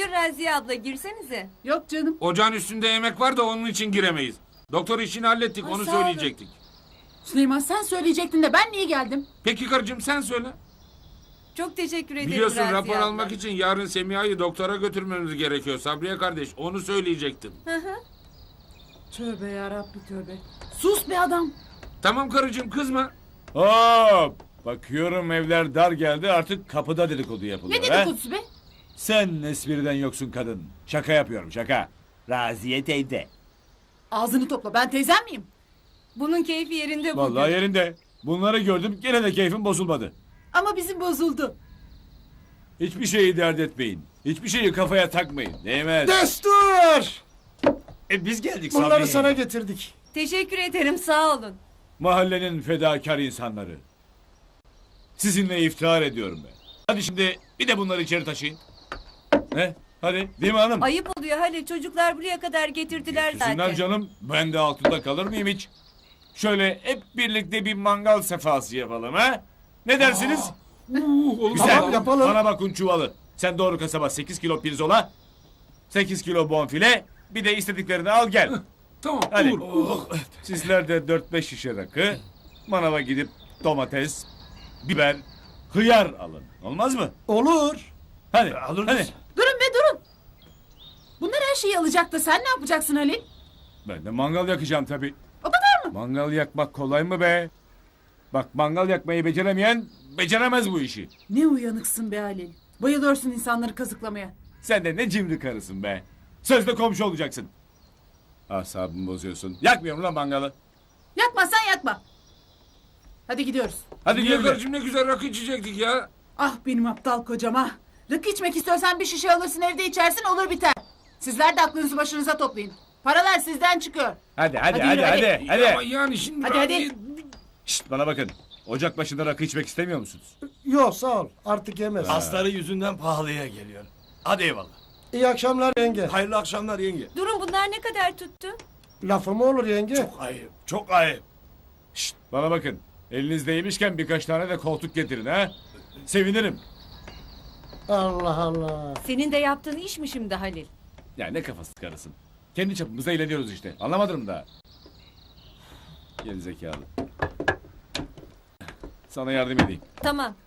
Buyur Raziye abla girsenize. Yok canım. Ocağın üstünde yemek var da onun için giremeyiz. Doktor işini hallettik, Ay, onu sağ olun. söyleyecektik. Süleyman sen söyleyecektin de ben niye geldim? Peki karıcığım sen söyle. Çok teşekkür ederim Biliyorsun Raziye rapor abla. almak için yarın Semiha'yı doktora götürmemiz gerekiyor. Sabriye kardeş onu söyleyecektim. Tövbe yarabbi tövbe. Sus be adam. Tamam karıcığım kızma. Hop! Bakıyorum evler dar geldi, artık kapıda dedikodu yapılıyor. Ne ha? dedikodusu be? Sen espriden yoksun kadın. Şaka yapıyorum, şaka. Raziye teyze. Ağzını topla, ben teyzem miyim? Bunun keyfi yerinde bugün. Vallahi yerinde. Bunları gördüm, gene de keyfim bozulmadı. Ama bizim bozuldu. Hiçbir şeyi dert etmeyin. Hiçbir şeyi kafaya takmayın. Değmez. Destur! Biz geldik Bunları Sabriye. sana getirdik. Teşekkür ederim sağ olun. Mahallenin fedakar insanları. Sizinle iftihar ediyorum ben. Hadi şimdi bir de bunları içeri taşıyın. Ne? Hadi, değil mi hanım? Ayıp oluyor Halil, çocuklar buraya kadar getirdiler Getirsinler zaten. canım. Ben de altında kalır mıyım hiç? Şöyle hep birlikte bir mangal sefası yapalım ha? Ne dersiniz? Güzel. Tamam, yapalım. Bana bakın çuvalı. Sen doğru kasaba 8 kilo pirzola, 8 kilo bonfile, bir de istediklerini al gel. Tamam Hadi. olur. Sizler de 4-5 şişe rakı, manava gidip domates, biber, hıyar alın. Olmaz mı? Olur. Hadi. Hadi. Durun be durun. Bunlar her şeyi alacak da sen ne yapacaksın Halil? Ben de mangal yakacağım tabii. O kadar mı? Mangal yakmak kolay mı be? Bak mangal yakmayı beceremeyen beceremez bu işi. Ne uyanıksın be Halil. Bayılıyorsun insanları kazıklamaya. Sen de ne cimri karısın be. Sözde komşu olacaksın. Asabımı bozuyorsun. Yakmıyorum lan mangalı. Yakmazsan yakma. Hadi gidiyoruz. Hadi Niye güle güle. karıcığım ne güzel rakı içecektik ya. Ah benim aptal kocam ah. Rakı içmek istiyorsan bir şişe alırsın evde içersin olur biter. Sizler de aklınızı başınıza toplayın. Paralar sizden çıkıyor. Hadi Hadi yürü, hadi. Ama yani şimdi... Hadi. Şşt bana bakın. Ocak başında rakı içmek istemiyor musunuz? Yok sağ ol. Artık yemez. Asları yüzünden pahalıya geliyor. Hadi eyvallah. İyi akşamlar yenge. Hayırlı akşamlar yenge. Durun bunlar ne kadar tuttu? Lafı mı olur yenge? Çok ayıp, çok ayıp. Şşt bana bakın. Elinizdeymişken birkaç tane de koltuk getirin ha. Sevinirim. Allah Allah. Senin de yaptığın iş mi şimdi Halil? Ya ne kafası karısın. Kendi çapımızda eğleniyoruz işte. Anlamadım mı daha? Geri zekalı. Sana yardım edeyim. Tamam.